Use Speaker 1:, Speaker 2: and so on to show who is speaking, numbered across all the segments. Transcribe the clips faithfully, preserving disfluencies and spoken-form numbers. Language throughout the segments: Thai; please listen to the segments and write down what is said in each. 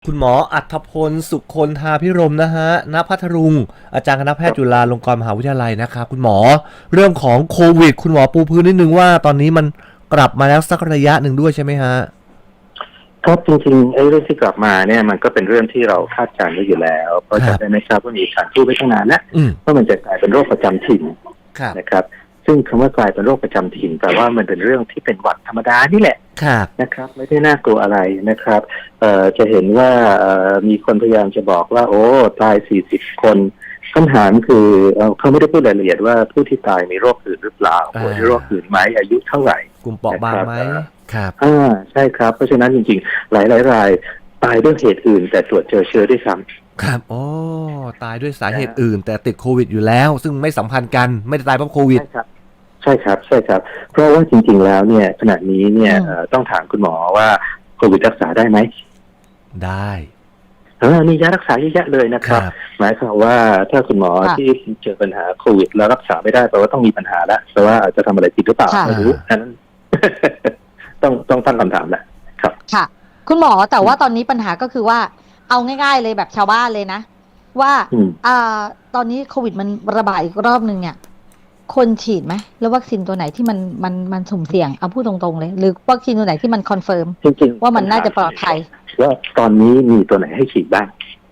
Speaker 1: คุณหมออัธพลสุคนธาภิรมย์นะฮะณพัทลุงอาจารย์คณะแพทย์จุฬาลงกรณ์มหาวิทยาลัยนะครับคุณหมอเรื่องของโควิดคุณหมอปูพื้นนิดนึงว่าตอนนี้มันกลับมาแล้วสักระยะหนึ่งด้วยใช่ไหมฮะ
Speaker 2: ครับจริงๆไอ้เรื่องที่กลับมาเนี่ยมันก็เป็นเรื่องที่เราคาดการณ์ไว้อยู่แล้วเพราะจำได้ไหมครับว่ามีการพูดไว้ตั้งนานแล้วว่ามันจะกลายเป็นโรคประจำถิ่นนะครับซึ่งคำว่ากลายเป็นโรคประจำถิ่นแปลว่ามันเป็นเรื่องที่เป็นหวัดธรรมดานี่แหละนะครับไม่ได้น่ากลัวอะไรนะครับเอ่อจะเห็นว่าเอ่อมีคนพยายามจะบอกว่าโอ้ตายสี่สิบคนคำถามคือเขาไม่ได้พูดรายละเอียดว่าผู้ที่ตายมีโรคอื่นหรือเปล่าป่วยด้วยโรคอื่นไหมอายุเท่าไหร่
Speaker 1: กลุ่มเปราะบางไหม
Speaker 2: ครับอ่าใช่ครับเพราะฉะนั้นจริงๆหลายหลายรายตายด้วยเหตุอื่นแต่ตรวจเจอเชื้อด้วยซ้
Speaker 1: ำครับอ๋อตายด้วยสาเหตุอื่นแต่ติดโควิดอยู่แล้วซึ่งไม่สัมพันธ์กันไม่ได้ตายเพราะโควิด
Speaker 2: ใช่ครับใช่ครับเพราะว่าจริงๆแล้วเนี่ยขณะนี้เนี่ยต้องถามคุณหมอว่าโควิดรักษาได้ไหม
Speaker 1: ได้
Speaker 2: เออมียารักษาเยอะแยะเลยนะครับหมายความว่าถ้าคุณหมอที่เจอปัญหาโควิดแล้วรักษาไม่ได้แปลว่าต้องมีปัญหาแล้วแปลว่าอาจจะทำอะไรผิดหรือเปล่าไม่รู้นั้นต้องต้องตั้งคำถามแหละครับ
Speaker 3: ค่ะคุณหมอแต่ว่าตอนนี้ปัญหาก็คือว่าเอาง่ายๆเลยแบบชาวบ้านเลยนะว่าอ่าตอนนี้โควิดมันระบาดอีกรอบนึงเนี่ยคนฉีดไหมแล้ววัคซีนตัวไหนที่มันมันมันสุ่มเสี่ยงเอาพูดตรงๆเลยหรือวัคซีนตัวไหนที่มันคอนเฟิร์มว่ามันน่าจะปลอดภัย
Speaker 2: ว่าตอนนี้มีตัวไหนให้ฉีดบ้าง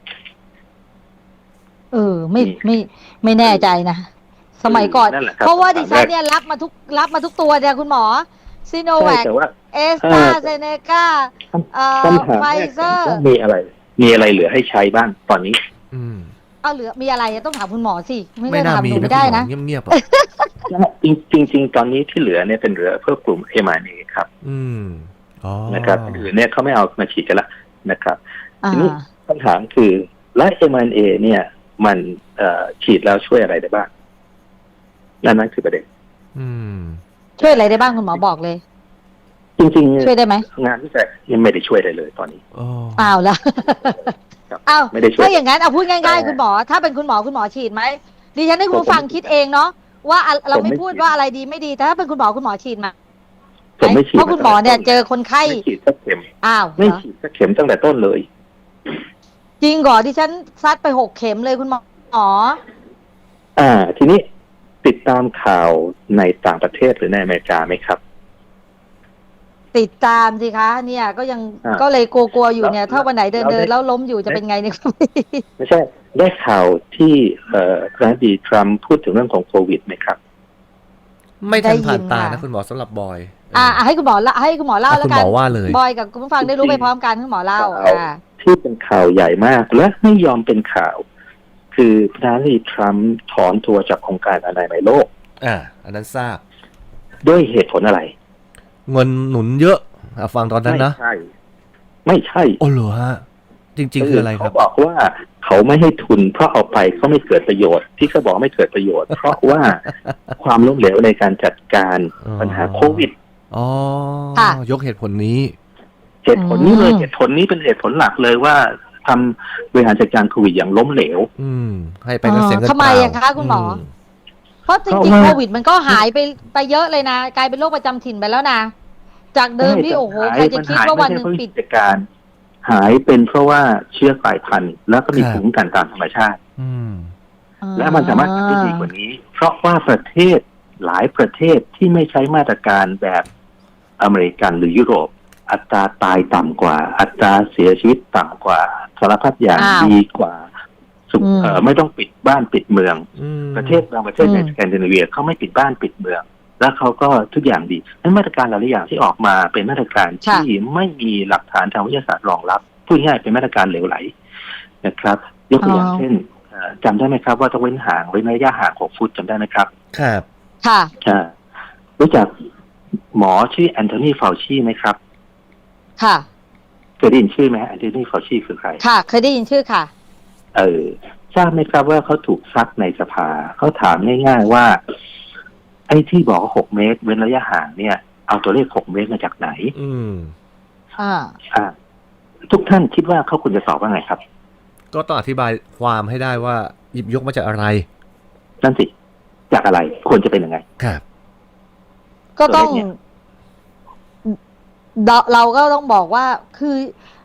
Speaker 3: เออไม่ไม่ไม่แน่ใจนะสมัยก่อนเพราะว่าดิฉันเนี่ยรับมาทุกรับมาทุกตัวเนี่ยคุณหมอซีโนแวคเอสตราเซเนกาไฟเซอร์
Speaker 2: มีอะไรมีอะไรเหลือให้ใช้บ้างตอนนี้
Speaker 1: อืม
Speaker 3: เอาเหลือมีอะไรต้องถามคุณหมอสิไม่ได้ถามหนูไม่ได้นะ
Speaker 1: เงียบ
Speaker 2: ๆจริงจริงตอนนี้ที่เหลือเนี่ยเป็นเหลือเพื่อกลุ่ม เอ็ม อาร์ เอ็น เอ ครับ
Speaker 1: อืมอ๋อ
Speaker 2: นะครับอื่นเนี่ยเขาไม่เอามาฉีดกันละนะครับทีนี้คำถามคือและ เอ็ม อาร์ เอ็น เอ เนี่ยมันฉีดแล้วช่วยอะไรได้บ้างนั่นนั่นคือประเด็น
Speaker 3: ช่วยอะไรได้บ้างคุณหมอบอกเลย
Speaker 2: จริงๆ
Speaker 3: ช่วยได้ไหม
Speaker 2: งานวิจัยยังไม่ได้ช่วยอะไรเลยตอนนี้
Speaker 3: อ้าวแล้วอ้าวถ้าอย่างนั้นเอาพูดง่ายๆคุณหมอถ้าเป็นคุณหมอคุณหมอฉีดไหมดิฉันให้คุณฟังคิดเองเนาะว่าเราไม่พูดว่าอะไรดีไม่ดีแต่ถ้าเป็นคุณหมอคุณหมอฉีดมาเพราะคุณหมอเนี่ยเจอคนไข้
Speaker 2: ไม่ฉีดสักเข็ม
Speaker 3: อ้าว
Speaker 2: ไม่ฉีดสักเข็มตั้งแต่ต้นเลย
Speaker 3: จริงเหรอดิฉันซัดไปหกเข็มเลยคุณหมออ๋อ
Speaker 2: อ่าทีนี้ติดตามข่าวในต่างประเทศหรือในอเมริกาไหมครับ
Speaker 3: ติดตามสิคะเนี่ยก็ยังก็เลยกลัวๆอยู่เนี่ยถ้าวันไหนเดินเดินแล้วล้มอยู่จะเป็นไงเนี่ย
Speaker 2: ไม่ใช่ได้ข่าวที่เอ่อประธานาธิบดีทรัมป์พูดถึงเรื่องของโควิดไหมครับ
Speaker 1: ไม่ทันผ่านตานะคุณหมอสำหรับบอย
Speaker 3: อ่าให้คุณหมอละให้คุณหมอเล่าแล้วกัน
Speaker 1: คุณหมอว่าเลย
Speaker 3: บอยกับคุณผู้ฟังได้รู้ไปพร้อมกันคุณหมอเล่าอ่า
Speaker 2: ที่เป็นข่าวใหญ่มากและไม่ยอมเป็นข่าวคือประธานาธิบดีทรัมป์ถอนตัวจากองค์การอนามัยโลก
Speaker 1: อ่าอันนั้นทราบ
Speaker 2: ด้วยเหตุผลอะไร
Speaker 1: เงินหนุนเยอะฟังตอนนั้นนะ
Speaker 2: ไม่ใช่ไม่ใช่
Speaker 1: โอ้เหรอฮะจริงๆคืออะไรครับ
Speaker 2: เขาบอกว่าเขาไม่ให้ทุนเพราะเอาไปเขาไม่เกิดประโยชน์ที่เขาบอกไม่เกิดประโยชน์เพราะว่าความล้มเหลวในการจัดการปัญหาโควิด
Speaker 1: อ๋อยกเหตุผลนี้
Speaker 2: เหตุผลนี้เลยเหตุผลนี้เป็นเหตุผลหลักเลยว่าทำบริหารจัดการโควิดอย่างล้มเหลว
Speaker 1: อืมให้ไปเสียเงินเปล่า
Speaker 3: ทำไมอะคะคุณหมอเพราะจริงๆโควิดมันก็หายไปไปเยอะเลยนะกลายเป็นโรคประจำถิ่นไปแล้วนะจากเดิมที่โอ้โหใครจะคิดว่าวันหนึ่งปิด
Speaker 2: การหายเป็นเพราะว่าเชื้อกลายพันธุ์แล้วก็มีภูมิคุ้มกันตามธรรมชาติและมันสามารถทำได้ดีกว่านี้เพราะว่าประเทศหลายประเทศที่ไม่ใช้มาตรการแบบอเมริกันหรือยุโรปอัตราตายต่ำกว่าอัตราเสียชีวิตต่ำกว่าสารพัดอย่างดีกว่าไม่ต้องปิดบ้านปิดเมืองประเทศบางประเทศในสแกนดิเนเวียเขาไม่ปิดบ้านปิดเมืองแล้วเขาก็ทุกอย่างดีนั้นมาตรการหลายอย่างที่ออกมาเป็นมาตรการที่ไม่มีหลักฐานทางวิทยาศาสตร์รองรับพูดง่ายเป็นมาตรการเหลวไหลนะครับยกตัวอย่างเช่นจำได้ไหมครับว่าต้องเว้นห่างเว้นระยะห่างหกฟุตจำได้ไหมครับ
Speaker 1: ครับ
Speaker 3: ค่ะ
Speaker 2: รู้จักหมอชื่อแอนโทนีฟาวชีไหมครับ
Speaker 3: ค่ะ
Speaker 2: เคยได้ยินชื่อไหมแอนโทนีฟาวชีคือใคร
Speaker 3: ค่ะเคยได้ยินชื่อค่ะ
Speaker 2: เออทราบไหมครับว่าเขาถูกซักในสภาเขาถามง่ายๆว่าไอ้ที่บอกหกเมตรเว้นระยะห่างเนี่ยเอาตัวเลขหกเมตรมาจากไหน
Speaker 1: อืม
Speaker 3: อ่า
Speaker 2: อ่าทุกท่านคิดว่าเขาควรจะตอบว่าไงครับ
Speaker 1: ก็ต้องอธิบายความให้ได้ว่าหยิบยกมาจากอะไร
Speaker 2: นั่นสิจากอะไรควรจะเป็นยังไง
Speaker 1: ครับ
Speaker 3: ก็ต้องเราก็ต้องบอกว่าคือ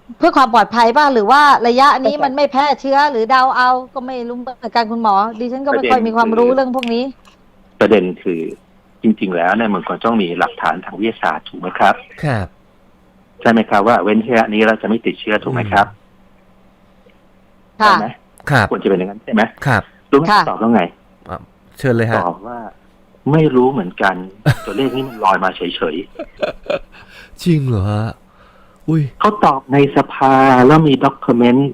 Speaker 3: เพื่อความปลอดภัยป่ะหรือว่าระยะนี้มันไม่แพร่เชื้อหรือเดาเอาก็ไม่รู้เหมือนกันคุณหมอดิฉันก็ไม่ค่อยมีความรู้เรื่องพวกนี้
Speaker 2: ประเด็นคือจริงๆแล้วเนี่ยมันควรต้องมีหลักฐานทางวิทยาศาสตร์ถูกไหมครับ
Speaker 1: ครับ
Speaker 2: ใช่ไหมครับว่าเว้นระยะนี้เราจะไม่ติดเชื้อถูกไหมครับ
Speaker 3: ค่ะ
Speaker 2: ใช่ไหม
Speaker 1: ครับ
Speaker 2: ควรจะเป็นอย่างนั้นใช่ไหม
Speaker 1: ครับ
Speaker 2: รู้ไหมตอบว่าไง
Speaker 1: เชิญเลยฮะ
Speaker 2: ตอบว่าไม่รู้เหมือนกัน ตัวเลขนี้มันลอยมาเฉย
Speaker 1: ๆจริงเหรอฮะอุ้ย
Speaker 2: เขาตอบในสภาแล้วมีด็อกิเมนต์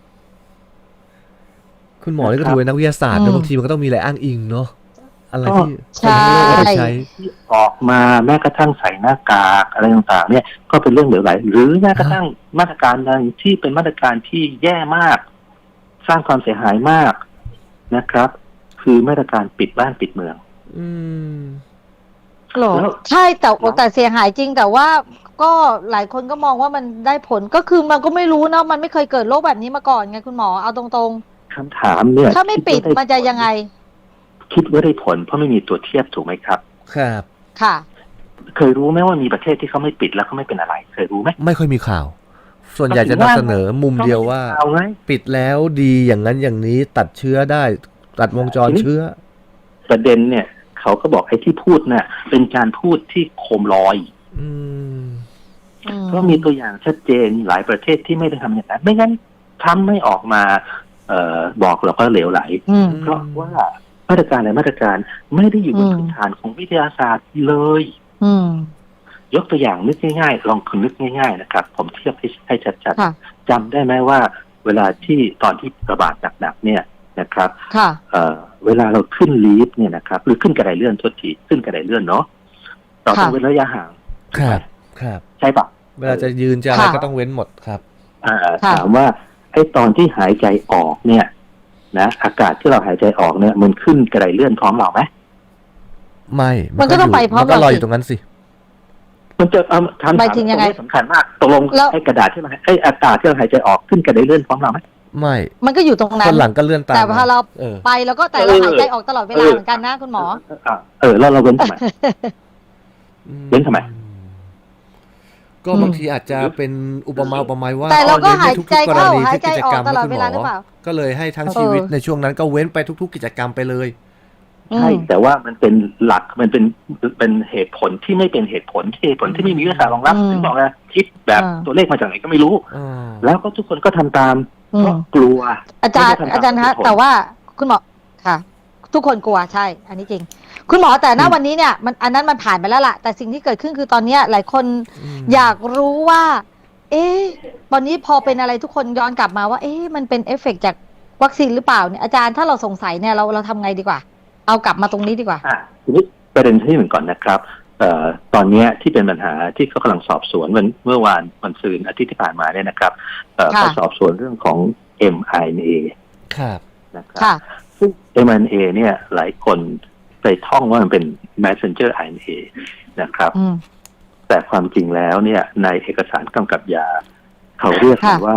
Speaker 1: คุณหมอนี่ก็ถือเป็นนักวิทยาศาสตร์นะบางทีมันก็ต้องมีอะไรอ้างอิงเนาะอะไรที่
Speaker 3: ใช่
Speaker 2: ใช้ที่ออกมาแม้กระทั่งใส่หน้ากากอะไรต่างๆเนี่ยก็เป็นเรื่องเหลวไหลหรือแม้กระทั่งมาตรการนั้นที่เป็นมาตรการที่แย่มากสร้างความเสียหายมากนะครับคือมาตรการปิดบ้านปิดเมือง
Speaker 1: อืม
Speaker 3: หรอใช่แต่แต่เสียหายจริงแต่ว่าก็หลายคนก็มองว่ามันได้ผลก็คือมันก็ไม่รู้เนาะมันไม่เคยเกิดโรคแบบนี้มาก่อนไงคุณหมอเอาตรง
Speaker 2: ๆคำถามเนี่ย
Speaker 3: ถ้าไม่ปิดมันจะยังไง
Speaker 2: คิดว่าได้ผลเพราะไม่มีตัวเทียบถูกไหมครับ
Speaker 1: ครับ
Speaker 3: ค่ะ
Speaker 2: เคยรู้ไหมว่ามีประเทศที่เขาไม่ปิดแล้วเขาไม่เป็นอะไรเคยรู้ไหม
Speaker 1: ไม่ค่อยมีข่าวส่วนใหญ่จะนำเสนอมุมเดียวว่าปิดแล้วดีอย่างนั้นอย่างนี้ตัดเชื้อได้ตัดวงจรเชื้อ
Speaker 2: ประเด็นเนี่ยเขาก็บอกไอ้ที่พูดน่ะเป็นการพูดที่โคมลอย
Speaker 1: อืม
Speaker 2: เพราะมีตัวอย่างชัดเจนหลายประเทศที่ไม่ได้ทำอย่างนั้นไม่งั้นทำไม่ออกมาเอ่อบอกเราก็เหลวไหลเพราะว่ามาตรการอะไรมาตรการไม่ได้อยู่บนพื้นฐานของวิทยาศาสตร์เลยยกตัวอย่างนึกง่ายๆลองคุณนึกง่ายๆนะครับผมเทียบให้ให้ชัดๆจำได้ไหมว่าเวลาที่ตอนที่ระบาดหนักๆเนี่ยนะครับเอ่อเวลาเราขึ้นลีฟต์เนี่ยนะครับหรือขึ้นกระไดเลื่อนทดทีขึ้นกระไดเลื่อนเนาะเราต้องเว้นระยะห่าง
Speaker 1: ครับครับ
Speaker 2: ใช่ปะ
Speaker 1: เวลาจะยืนจะอะไรก็ต้องเว้นหมดครับ
Speaker 2: อ่าถามว่าไอ้ตอนที่หายใจออกเนี่ยนะอากาศที่เราหายใจออกเนี่ยมันขึ้นกระไดเลื่อนพร้อมเราไหม
Speaker 1: ไม่
Speaker 3: มันก็ต้องไปพร้อมเรา
Speaker 1: ลอยอยู่ตรงนั้นสิ
Speaker 2: มันจะเอาถามถามตรงนี้สำคัญมากตกลงไอ้กระดาษที่เราไอ้อากาศที่เราหายใจออกขึ้นกระไดเลื่อนพร้อมเราไหม
Speaker 1: ไม่
Speaker 3: มันก็อยู่ตรงนั้น
Speaker 1: คนหลังก็เลื่อนตาม
Speaker 3: แต่พอเราไปแล้วก็แต่เราหายใจออกตลอดเวลาเหมือนกันนะคุณหมอ
Speaker 2: เออแล้วเราเว้นทำไมเว้นทำไม
Speaker 1: ก็บางทีอาจจะเป็นอุปมาอุปไมยว่า
Speaker 3: แต่เราก็หายใจเข้าหายใจออกตลอดเวลาหรือเปล่า
Speaker 1: ก็เลยให้ทั้งชีวิตในช่วงนั้นก็เว้นไปทุกๆกิจกรรมไปเลย
Speaker 2: ใช่แต่ว่ามันเป็นหลักมันเป็นเป็นเหตุผลที่ไม่เป็นเหตุผลเหตุผลที่ไม่มีวิทยาศาสตร์รองรับถึงบอกนะคิดแบบตัวเลขมาจากไหนก็ไม่รู้แล้วก็ทุกคนก็ทำตามเพราะกลัว
Speaker 3: อาจารย์อาจารย์ฮะแต่ว่าคุณหมอค่ะทุกคนกลัวใช่อันนี้จริงคุณหมอแต่ณวันนี้เนี่ยมันอันนั้นมันผ่านไปแล้วล่ะแต่สิ่งที่เกิดขึ้นคือตอนนี้หลายคนอยากรู้ว่าเอ๊ะตอนนี้พอเป็นอะไรทุกคนย้อนกลับมาว่าเอ๊ะมันเป็นเอฟเฟกต์จากวัคซีนหรือเปล่าเนี่ยอาจารย์ถ้าเราสงสัยเนี่ยเราเราทำไงดีกว่าเอากลับมาตรงนี้ดีกว่า
Speaker 2: อ่าทีนี้ประเด็นที่หนึ่งก่อนนะครับเอ่อตอนนี้ที่เป็นปัญหาที่เขากำลังสอบสวนวันเมื่อวานวันซืนอาทิตย์ที่ผ่านมาเนี่ยนะครับเอ่อเขาสอบสวนเรื่องของ เอ็ม อาร์ เอ็น เอ
Speaker 1: ครับ
Speaker 2: นะครับซึ่ง เอ็ม อาร์ เอ็น เอ เนี่ยหลายคนไปท่องว่ามันเป็น messenger อาร์ เอ็น เอ นะครับแต่ความจริงแล้วเนี่ยในเอกสารกำกับยาเขาเรียกว่า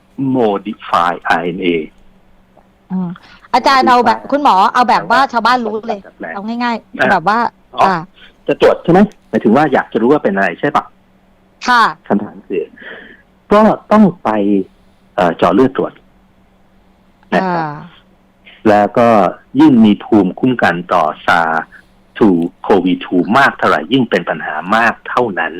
Speaker 2: modify อาร์ เอ็น เอ
Speaker 3: อาจารย์เอาแบบคุณหมอเอาแบบว่าชาวบ้านรู้เลยเอาง่ายๆแบบว่า
Speaker 2: อ่าจะตรวจใช่ไหมหมายถึงว่าอยากจะรู้ว่าเป็นอะไรใช่ปะ
Speaker 3: ค่ะ
Speaker 2: คำถามคือก็ต้องไปเจาะเลือดตรวจนะครับแล้วก็ยิ่งมีภูมิคุ้มกันต่อซาร์ทูโควีทูมากเท่าไหร่ยิ่งเป็นปัญหามากเท่านั้น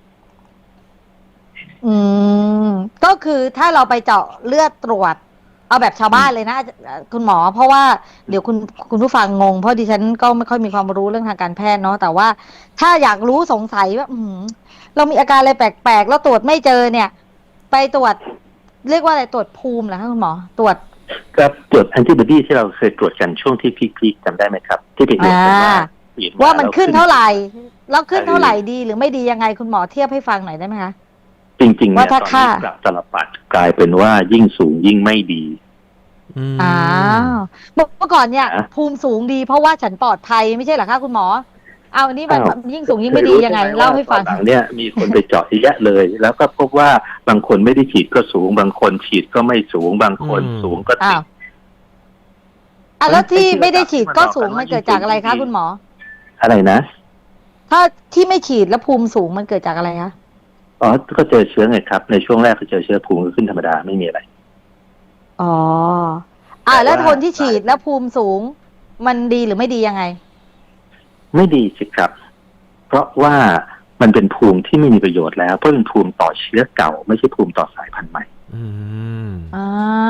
Speaker 3: อืมก็คือถ้าเราไปเจาะเลือดตรวจเอาแบบชาวบ้านเลยนะคุณหมอเพราะว่าเดี๋ยวคุณคุณผู้ฟังงงเพราะดิฉันก็ไม่ค่อยมีความรู้เรื่องทางการแพทย์เนาะแต่ว่าถ้าอยากรู้สงสัยว่าอืมเรามีอาการอะไรแปลกๆแล้วตรวจไม่เจอเนี่ยไปตรวจเรียกว่าอะไรตรวจภูมิเหรอคะคุณหมอตรวจ
Speaker 2: ครับตรวจแอนติบอดีที่เราเคยตรวจกันช่วงที่พีคๆจำได้ไหมครับที่ไปตรวจกันว่า
Speaker 3: ว่ามันขึ้นเท่าไหร่แล้วขึ้นเท่าไหร่ดีหรือไม่ดียังไงคุณหมอเทียบให้ฟังหน่อยได้ไหมคะ
Speaker 2: จริงๆเนี่ยตอนนี้กลับตลปัดกลายเป็นว่ายิ่งสูงยิ่งไม่ดี
Speaker 3: อ้าวเมื่อก่อนเนี่ยภูมิสูงดีเพราะว่าฉันปลอดภัยไม่ใช่เหรอคะคุณหมอเอาอันนี้มันยิ่งสูงยิ่งไม่ดียังไงเล่าให้ฟัง
Speaker 2: หลังเนี่ยมีคนไปเจาะเยอะเลยแล้วก็พบว่าบางคนไม่ได้ฉีดก็สูงบางคนฉีดก็ไม่สูงบางคนสูงก็ติด
Speaker 3: อ่ะแล้วที่ไม่ได้ฉีดก็สูงมันเกิดจากอะไรคะคุณหมอ
Speaker 2: อะไรนะ
Speaker 3: ถ้าที่ไม่ฉีดแล้วภูมิสูงมันเกิดจากอะไรคะ
Speaker 2: อ๋อก็เจอเชื้อไงครับในช่วงแรกก็เจอเชื้อภูมิก็ขึ้นธรรมดาไม่มีอะไร
Speaker 3: อ๋ออ่าแล้วคนที่ฉีดแล้วภูมิสูงมันดีหรือไม่ดียังไง
Speaker 2: ไม่ดีสิครับเพราะว่ามันเป็นภูมิที่ไม่มีประโยชน์แล้วเพราะเป็นภูมิต่อเชื้อเก่าไม่ใช่ภูมิต่อสายพันธุ์ใหม่
Speaker 1: อืม
Speaker 3: อ่า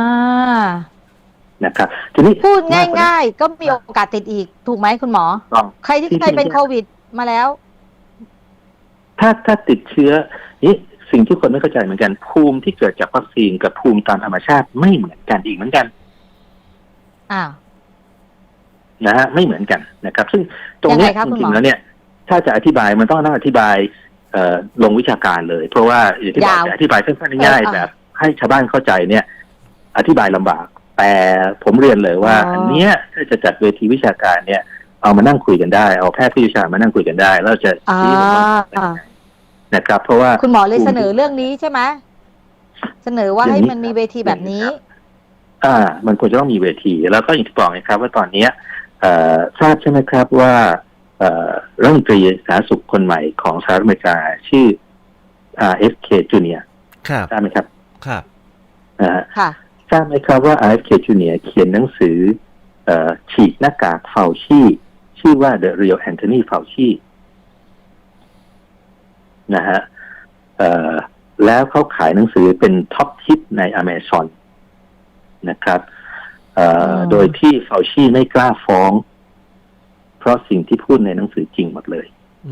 Speaker 2: นะครับทีนี้
Speaker 3: พูดง่ายๆก็มีโอกาสติดอีกถูกไหมคุณหมอใครที่เคยเป็นโควิดมาแล้ว
Speaker 2: ถ้าถ้าติดเชื้อนี่สิ่งที่คนไม่เข้าใจเหมือนกันภูมิที่เกิดจากวัคซีนกับภูมิตามธรรมชาติไม่เหมือนกันอีกเหมือนกัน
Speaker 3: อ้าว
Speaker 2: นะฮะไม่เหมือนกันนะครับซึ่งตรงนี้จริงๆแล้วเนี่ยถ้าจะอธิบายมันต้องนั่งอธิบายเอ่อลงวิชาการเลยเพราะว่าอย่างที่บอกจะอธิบายสั้นๆง่ายๆแบบให้ชาวบ้านเข้าใจเนี่ยอธิบายลำบากแต่ผมเรียนเลยว่าอันเนี้ยถ้าจะจัดเวทีวิชาการเนี่ยเอามานั่งคุยกันได้เอาแพทย์ผู้เชี่ยวชาญมานั่งคุยกันได้แล้วจะชี้ลงมานะครับเพราะว่า
Speaker 3: คุณหมอเลยเสนอเรื่องนี้ใช่ไหมเสนอว่าให้มันมีเวทีแบบนี้
Speaker 2: อ่ามันควรจะต้องมีเวทีแล้วก็อย่างที่บอกนะครับว่าตอนนี้ทราบใช่ไหมครับว่ารัฐมนตรีสาธารณสุขคนใหม่ของสหรัฐอเมริกาชื่อ อาร์ เอฟ เค Junior
Speaker 1: ครับ
Speaker 2: ทราบไหมครับ
Speaker 1: ครับ
Speaker 2: อ่าทราบไหมครับว่า อาร์ เอฟ เค Junior เขียนหนังสือฉีกหน้ากากเฟาชีชื่อว่า The Real Anthony Fauci นะฮะแล้วเขาขายหนังสือเป็นท็อปฮิตใน Amazon นะครับโดยที่เฟาชีไม่กล้าฟ้องเพราะสิ่งที่พูดในหนังสือจริงหมดเลย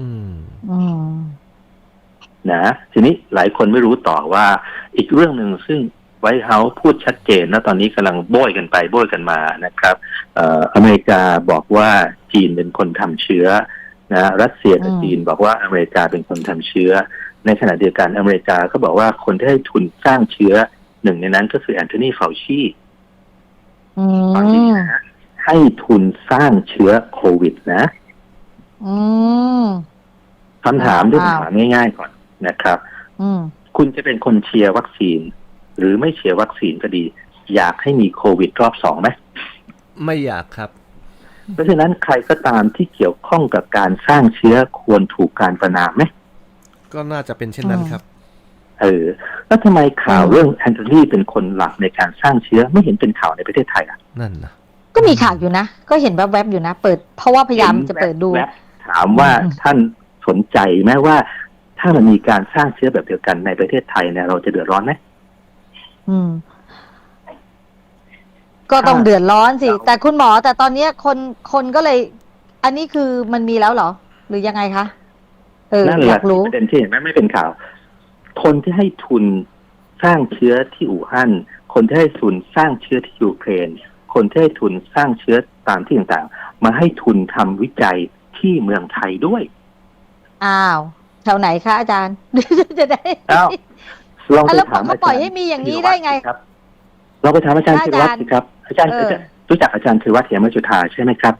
Speaker 2: นะทีนี้หลายคนไม่รู้ต่อว่าอีกเรื่องหนึ่งซึ่งไวท์เฮาส์พูดชัดเจนนะตอนนี้กำลังโบยกันไปโบยกันมานะครับอเมริกาบอกว่าจีนเป็นคนทำเชื้อนะรัสเซียกับจีนบอกว่าอเมริกาเป็นคนทำเชื้อในขณะเดียวกันอเมริกาก็บอกว่าคนที่ให้ทุนสร้างเชื้อหนึ่งในนั้นก็คือแอนโทนีเฟาชีฟังดีนะให้ทุนสร้างเชื้อโควิดนะคำถามที่ผมถามง่ายๆก่อนนะครับคุณจะเป็นคนเชียร์วัคซีนหรือไม่เชียร์วัคซีนก็ดีอยากให้มีโควิดรอบสองไหม
Speaker 1: ไม่อยากครับ
Speaker 2: เพราะฉะนั้นใครก็ตามที่เกี่ยวข้องกับการสร้างเชื้อควรถูกการประณามไหม
Speaker 1: ก็น่าจะเป็นเช่นนั้นครับ
Speaker 2: เออแล้วทำไมข่าวเรื่องแอนโทนีเป็นคนหลักในการสร้างเชื้อไม่เห็นเป็นข่าวในประเทศไทยอ่ะ
Speaker 1: นั่นนะ
Speaker 3: ก็มีข่าวอยู่นะก็เห็นแวบๆอยู่นะเปิดเพราะว่าพยายามจะเปิดดู
Speaker 2: ถามว่าท่านสนใจไหมว่าถ้ามันมีการสร้างเชื้อแบบเดียวกันในประเทศไทยเนี่ยเราจะเดือดร้อนไหม
Speaker 3: อืมก็ต้องเดือดร้อนสิแต่คุณหมอแต่ตอนนี้คนคนก็เลยอันนี้คือมันมีแล้วเหรอหรือยังไงคะเอออยากรู้
Speaker 2: ประเด็นที่เห็นไหมไม่เป็นข่าวคนที่ให้ทุนสร้างเชื้อที่อู่ฮั่นคนที่ให้ทุนสร้างเชื้อที่ยูเครนคนที่ให้ทุนสร้างเชื้อตามที่ต่างๆมาให้ทุนทำวิจัยที่เมืองไทยด้วย
Speaker 3: อ้าวแถวไหนคะอาจารย์จะได้
Speaker 2: อ้าวลองไปถาม
Speaker 3: อาจารย์เขาปล่อยให้มีอย่างนี้ได้ไง
Speaker 2: ครับเราไปถามอาจารย์ธีรวัฒน์สิครับอาจารย์รู้จักอาจารย์ธีรวัฒน์เหมจุฑาใช่ไหมครับ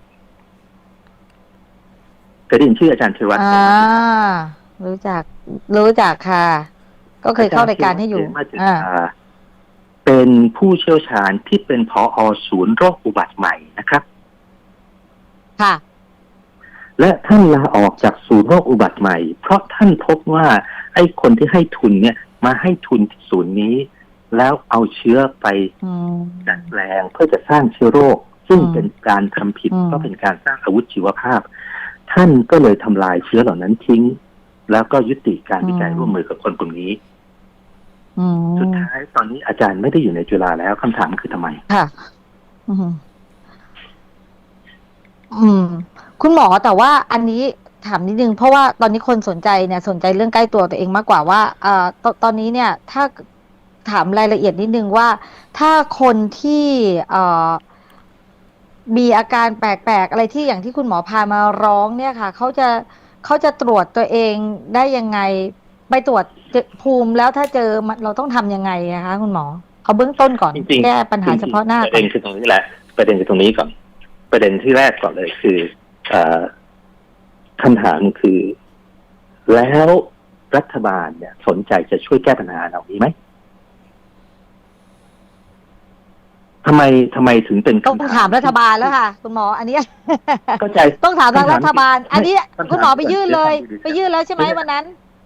Speaker 2: เคยได้ยินชื่ออาจารย์ธีรวัฒน์
Speaker 3: อ่ารู้จักรู้จักค่ะก็เคยเข้ารายการให้อยู่อ่า
Speaker 2: เป็นผู้เชี่ยวชาญที่เป็นผอ.ศูนย์โรคอุบัติใหม่นะครับ
Speaker 3: ค่ะ
Speaker 2: และท่านลาออกจากศูนย์โรคอุบัติใหม่เพราะท่านพบว่าไอ้คนที่ให้ทุนเนี่ยมาให้ทุนที่ศูนย์นี้แล้วเอาเชื้อไปดัดแปลงเพื่อจะสร้างเชื้อโรคซึ่งเป็นการทำผิดก็เป็นการสร้างอาวุธชีวภาพท่านก็เลยทำลายเชื้อเหล่านั้นทิ้งแล้วก็ยุติการวิจัยร่วมมือกับคนกลุ่มนี้สุดท้ายตอนนี้อาจารย์ไม่ได้อยู่ในจุฬาแล้วคำถามคือทำไม
Speaker 3: ค่ะอืมคุณหมอแต่ว่าอันนี้ถามนิดนึงเพราะว่าตอนนี้คนสนใจเนี่ยสนใจเรื่องใกล้ตัวตัวเองมากกว่าว่าเอ่อต, ตอนนี้เนี่ยถ้าถามรายละเอียดนิดนึงว่าถ้าคนที่เอ่อมีอาการแปลกๆอะไรที่อย่างที่คุณหมอพามาร้องเนี่ยค่ะเขาจะเขาจะตรวจตัวเองได้ยังไงไปตรวจภูมิแล้วถ้าเจอเราต้องทำยังไงนะคะคุณหมอเอาเบื้องต้นก่อนแก้ปัญหาเฉพาะหน้า
Speaker 2: ประเด็นคือตรงนี้แหละประเด็นคือตรงนี้ก่อนประเด็นที่แรกก่อนเลยคือคำถามคือแล้วรัฐบาลเนี่ยสนใจจะช่วยแก้ปัญหาเหล่านี้ไหมทำไมทำไมถึงเป็น
Speaker 3: ต้องถามรัฐบาลแล้วค่ะคุณหมออันนี้
Speaker 2: เข้าใจ
Speaker 3: ต้องถามทางรัฐบาลอันนี้คุณหมอไปยื่นเลยไปยื่นแล้วใช่ไหมวันนั้น
Speaker 2: ใ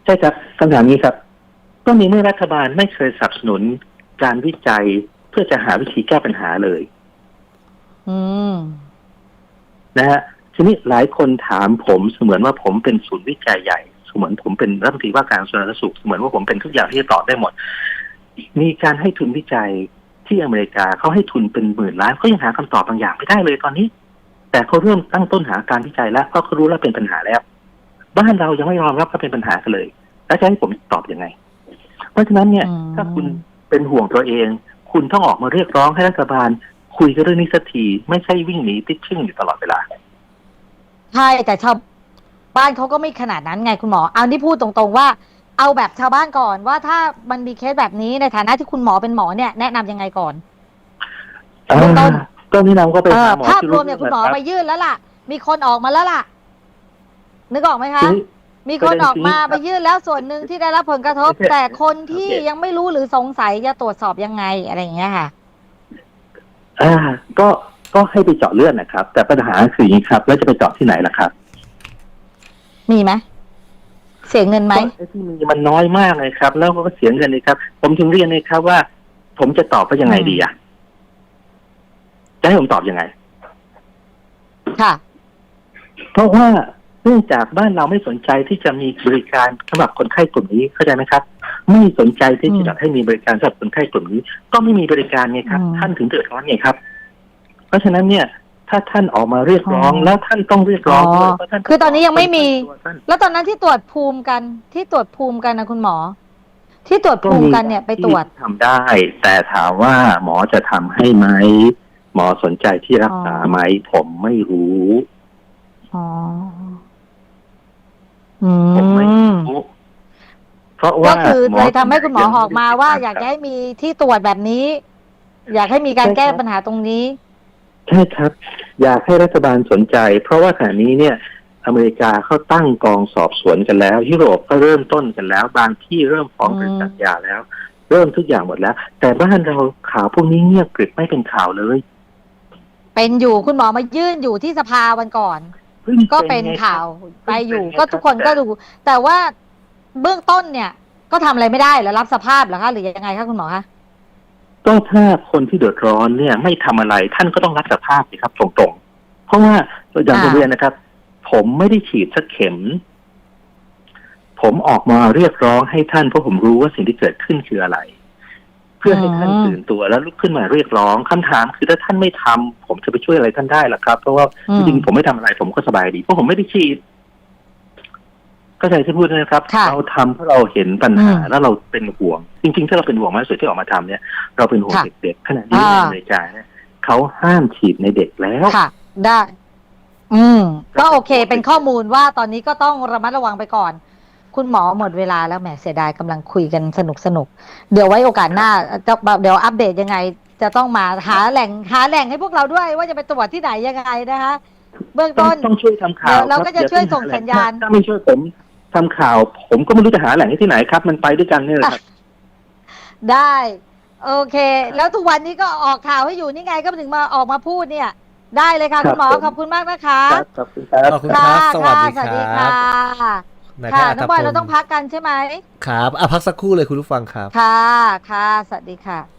Speaker 2: ช่ครับคำถามนี้ครับก็มีเมื่อรัฐบาลไม่เคยสนับสนุนการวิจัยเพื่อจะหาวิธีแก้ปัญหาเลย
Speaker 3: อืม
Speaker 2: นะฮะทีนี้หลายคนถามผมเสมือนว่าผมเป็นศูนย์วิจัยใหญ่เสมือนผมเป็นรัฐมนตรีว่าการกระทรวงสาธารณสุขเสมือนว่าผมเป็นทุกอย่างที่จะตอบได้หมดมีการให้ทุนวิจัยที่อเมริกาเขาให้ทุนเป็นหมื่นล้านเขายังหาคำตอบบางอย่างไม่ได้เลยตอนนี้แต่เขาเริ่มตั้งต้นหาการวิจัยแล้วเพราะเขารู้แล้วเป็นปัญหาแล้วบ้านเรายังไม่ยอมรับว่าเป็นปัญหากันเลยแล้วจะให้ผมตอบยังไงเพราะฉะนั้นเนี่ยถ้าคุณเป็นห่วงตัวเองคุณต้องออกมาเรียกร้องให้รัฐบาลคุยกันเรื่องนี้สักทีไม่ใช่วิ่งหนีติดชึ่งอยู่ตลอดเวลา
Speaker 3: ใช่แต่ชาวบ้านเขาก็ไม่ขนาดนั้นไงคุณหมอเอาที่พูดตรงๆว่าเอาแบบชาวบ้านก่อนว่าถ้ามันมีเคสแบบนี้ในฐานะที่คุณหมอเป็นหมอเนี่ยแนะนำยังไงก่อนเบื้องต้น
Speaker 2: ก็แนะนำก็ไปหาหมอ
Speaker 3: ภาพรวมเนี่ยคุณหมอไปยื่นแล้วล่ะมีคนออกมาแล้วล่ะนึกออกไหมคะมีคนออกมาไปยื่นแล้วส่วนหนึ่งที่ได้รับผลกระทบแต่คนที่ยังไม่รู้หรือสงสัยจะตรวจสอบยังไงอะไรอย่างเงี้ยค่ะ
Speaker 2: อ่าก็ก็ให้ไปเจาะเลือดนะครับแต่ปัญหาคืออย่างนี้ครับแล้วจะไปเจาะที่ไหนล่ะครับ
Speaker 3: มีไหมเสียเงินไหม
Speaker 2: ไอ้ที่มีมันน้อยมากเลยครับแล้วก็เสียเงินเลยครับผมถึงเรียนเลยครับว่าผมจะตอบว่ายังไงดีอ่ะจะให้ผมตอบยังไง
Speaker 3: ค่ะ
Speaker 2: เพราะว่าเนื่องจากบ้านเราไม่สนใจที่จะมีบริการสำหรับคนไข้กลุ่มนี้เข้าใจไหมครับไม่สนใจที่จะให้มีบริการสำหรับคนไข้กลุ่มนี้ก็ไม่มีบริการไงครับท่านถึงเดือดร้อนไงครับเพราะฉะนั้นเนี่ยถ้าท่านออกมาเรียกร้องแล้วท่านต้องเรียกร้องด้วยเพราะท่าน
Speaker 3: คือตอนนี้ยังไม่มีแล้วตอนนั้นที่ตรวจภูมิกันที่ตรวจภูมิกันนะคุณหมอที่ตรวจภูมิกันเนี่ยไปตรวจ
Speaker 2: ทำได้แต่ถามว่าหมอจะทำให้ไหมหมอสนใจที่รักษาไหมผมไม่รู้
Speaker 3: อ๋อ
Speaker 2: ผมไม่รู้เพราะว่า
Speaker 3: ก็คือเลยทำให้คุณหมอออกมาว่าอยากให้มีที่ตรวจแบบนี้อยากให้มีการแก้ปัญหาตรงนี้
Speaker 2: ใช่ครับอยากให้รัฐบาลสนใจเพราะว่าขณะนี้เนี่ยอเมริกาเขาตั้งกองสอบสวนกันแล้วยุโรปก็เริ่มต้นกันแล้วบางที่เริ่มฟ้องบริษัทยาแล้วเริ่มทุกอย่างหมดแล้วแต่บ้านเราข่าวพวกนี้เงียบกริบไม่เป็นข่าวเลย
Speaker 3: เป็นอยู่คุณหมอมายื่นอยู่ที่สภาวันก่อนก็เป็นข่าวไปอยู่ก็ทุกคนก็ดูแต่ว่าเบื้องต้นเนี่ยก็ทำอะไรไม่ได้แล้วรับสภาพเหรอคะหรือยังไงคะคุณหมอคะ
Speaker 2: ก็ถ้าคนที่เดือดร้อนเนี่ยไม่ทำอะไรท่านก็ต้องรับสภาพสิครับตรงๆเพราะว่าอย่างที่เรียนนะครับผมไม่ได้ฉีดสักเข็มผมออกมาเรียกร้องให้ท่านเพราะผมรู้ว่าสิ่งที่เกิดขึ้นคืออะไรเพื่อให้ท่านตื่นตัวแล้วลุกขึ้นมาเรียกร้องคำถามคือถ้าท่านไม่ทำผมจะไปช่วยอะไรท่านได้ล่ะครับเพราะว่าจริงๆผมไม่ทำอะไรผมก็สบายดีเพราะผมไม่ได้ฉีดก็ใจที่พูดนะครับเราทำเพราะเราเห็นปัญหาแล้วเราเป็นห่วงจริงๆถ้าเราเป็นห่วงมากสุดที่ออกมาทำเนี่ยเราเป็นห่วงเด็กๆขณะนี้ในอเมริกาเนี่ยเขาห้ามฉีดในเด็กแล้ว
Speaker 3: ค่ะได้อืมก็โอเคเป็นข้อมูลว่าตอนนี้ก็ต้องระมัดระวังไปก่อนคุณหมอหมดเวลาแล้วแหมเสียดายกำลังคุยกันสนุกสนุกเดี๋ยวไว้โอกาสหน้าจะเดี๋ยวอัปเดตยังไงจะต้องมาหาแหล่งหาแหล่งให้พวกเราด้วยว่าจะไปตรวจที่ไหนยังไงนะคะเบื้องต้น
Speaker 2: ต้องช่วยทำข่าว
Speaker 3: เราก็จะช่วยส่งสัญญาณ
Speaker 2: ถ้าไม่ช่วยผมทำข่าวผมก็ไม่รู้จะหาแหล่งที่ไหนครับมันไปด้วยกันนี่แหละครับ
Speaker 3: ได้โอเคแล้วทุกวันนี้ก็ออกข่าวให้อยู่นี่ไงก็ถึงมาออกมาพูดเนี่ยได้เลยค่ะคุณหมอขอบคุณมากนะคะ
Speaker 2: ขอบคุณครับ
Speaker 1: ขอบคุณครับสวัสดี
Speaker 3: ค่ะค่ะน้องบอยเราต้องพักกันใช่ไหม
Speaker 1: ครับอ่ะพักสักครู่เลยคุณผู้ฟังครับ
Speaker 3: ค่ะค่ะสวัสดีค่ะ